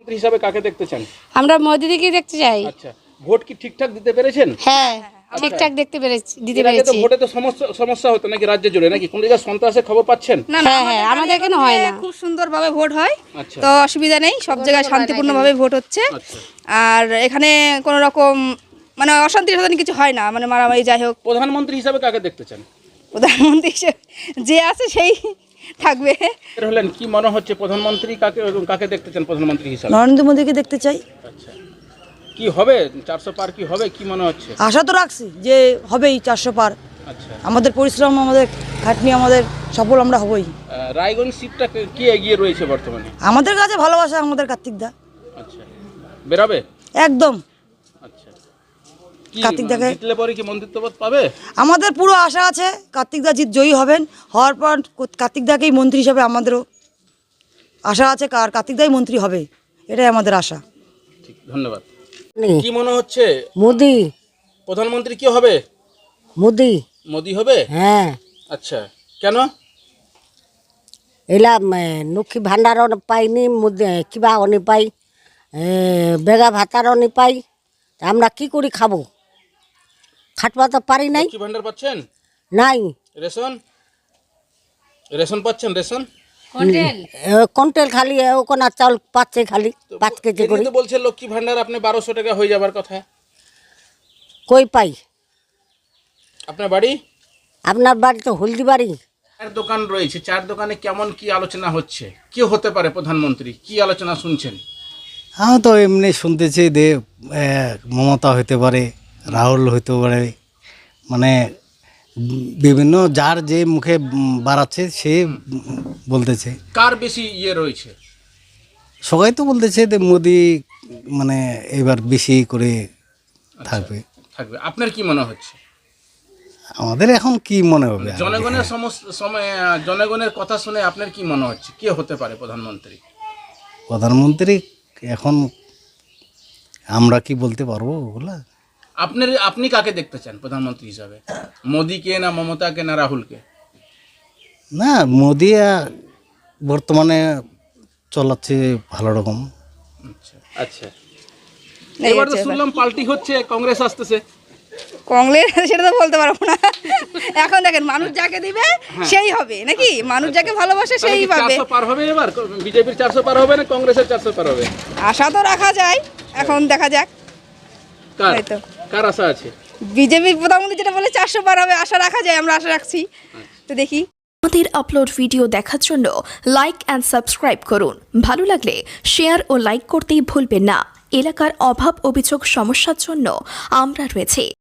হিসাবে কাকে দেখতে চান? আমরা মোদিদিকে দেখতে চাই। আচ্ছা, ভোট কি ঠিকঠাক দিতে পেরেছেন? হ্যাঁ, ঠিকঠাক দিতে এর আগে তো পেরেছি। ভোটে তো সমস্যা হতো নাকি রাজ্য জুড়ে, নাকি কোন জায়গায় সন্ত্রাসের খবর পাচ্ছেন? হ্যাঁ, আমাদের এখানে হয় না। খুব সুন্দরভাবে ভোট হয়, আচ্ছা তো অসুবিধা নেই, সব জায়গায় শান্তিপূর্ণভাবে ভোট হচ্ছে। আচ্ছা। আর এখানে কোনো রকম মানে অশান্তি কিছু হয় না, মানে মারামারি যাই হোক। প্রধানমন্ত্রী হিসাবে কাকে দেখতে চান? প্রধানমন্ত্রী হিসেবে যে আছে সেই থাকবে। এর হলেন কি মনে হচ্ছে প্রধানমন্ত্রী কাকে দেখতে চান প্রধানমন্ত্রী হিসাবে? নরেন্দ্র মোদীকে দেখতে চাই। আচ্ছা, কি হবে 400 পার কি হবে কি মনে হচ্ছে? আশা তো রাখছি যে হবেই 400 পার। আচ্ছা, আমাদের পরিশ্রম, আমাদের খাটনি, আমাদের সফল আমরা হবই। রায়গঞ্জ সিটটা কি এগিয়ে রয়েছে বর্তমানে? আমাদের কাছে ভালোবাসা আমাদের কার্তিক দা। আচ্ছা, বেরাবে একদম। আচ্ছা, কি কার্তিক দাকে জিতলে পরে কি মন্ত্রিত্বপদ পাবে? আমাদের পুরো আশা আছে কার্তিক দা জয়ী হবেন। হওয়ার পর কার্তিক দাকেই মন্ত্রী হিসাবে আমাদেরও আশা আছে, কার্তিক দাই মন্ত্রী হবে, এটাই আমাদের আশা। ঠিক, ধন্যবাদ। কি মনে হচ্ছে মোদি প্রধানমন্ত্রী কি হবে? মোদি মোদি হবে? হ্যাঁ, আচ্ছা, কেন? এলা লক্ষ্মী ভাণ্ডারও পাইনি, কিবা অনি পাই, বেগা ভাতারও নি পাই, আমরা কি করে খাবো? খাটবা তো পারি নাই। লক্ষ্মী ভান্ডার পাচ্ছেন? নাই, রেশন পাচ্ছেন? রেশন কন্টেল খালি ওখানে চাউল পাচ্ছে খালি 5 কেজি করে। তো বলছে লক্ষ্মী ভান্ডার আপনি 1200 টাকা হয়ে যাবার কথা। কই পাই? আপনার বাড়ি? আপনার বাড়ি তো হলদি বাড়ি। চার দোকান রয়েছে, চার দোকানে কেমন কি আলোচনা হচ্ছে? কি হতে পারে প্রধানমন্ত্রী? কি আলোচনা শুনছেন? আমি তো এমনি শুনতেছি যে মমতা হইতে পারে, রাহুল হইতে পারে, মানে বিভিন্ন যার যে মুখে বাড়াচ্ছে সে বলতেছে। কার বেশি রয়েছে? সবাই তো বলতেছে যে মোদি মানে এবার বেশি করে থাকবে। থাকবে। আপনার কি মনে হচ্ছে? আমাদের এখন কি মনে হবে? জনগণের জনগণের কথা শুনে আপনার কি মনে হচ্ছে কে হতে পারে প্রধানমন্ত্রী? প্রধানমন্ত্রী এখন আমরা কি বলতে পারবো ওগুলা? আপনি কাকে দেখতে চান প্রধানমন্ত্রী হিসাবে? মোদিকে না মমতাকে না রাহুলকে? না, মোদি বর্তমানে চলাচ্ছে ভালো রকম। আচ্ছা, এবার তো শুনলাম পাল্টি হচ্ছে, কংগ্রেস আসতেছে। কংগ্রেস সেটা তো বলতে পারবো না। এখন দেখেন মানুষ যাকে দিবে সেই হবে নাকি, মানুষ যাকে ভালোবাসে সেই পাবে। 400 পার হবে এবার? বিজেপির 400 পার হবে না কংগ্রেসের 400 পার হবে? আশা তো রাখা যায়, এখন দেখা যাক। কার আশা আছে? বিজেপির প্রধানমন্ত্রী যেটা বলে 400 পার হবে, আশা রাখা যায়, আমরা আশা রাখছি, তো দেখি। আমাদের আপলোড ভিডিও দেখার জন্য লাইক অ্যান্ড সাবস্ক্রাইব করুন। ভালো লাগলে শেয়ার ও লাইক করতেই ভুলবেন না। এলাকার অভাব অভিযোগ সমস্যার জন্য আমরা রয়েছি।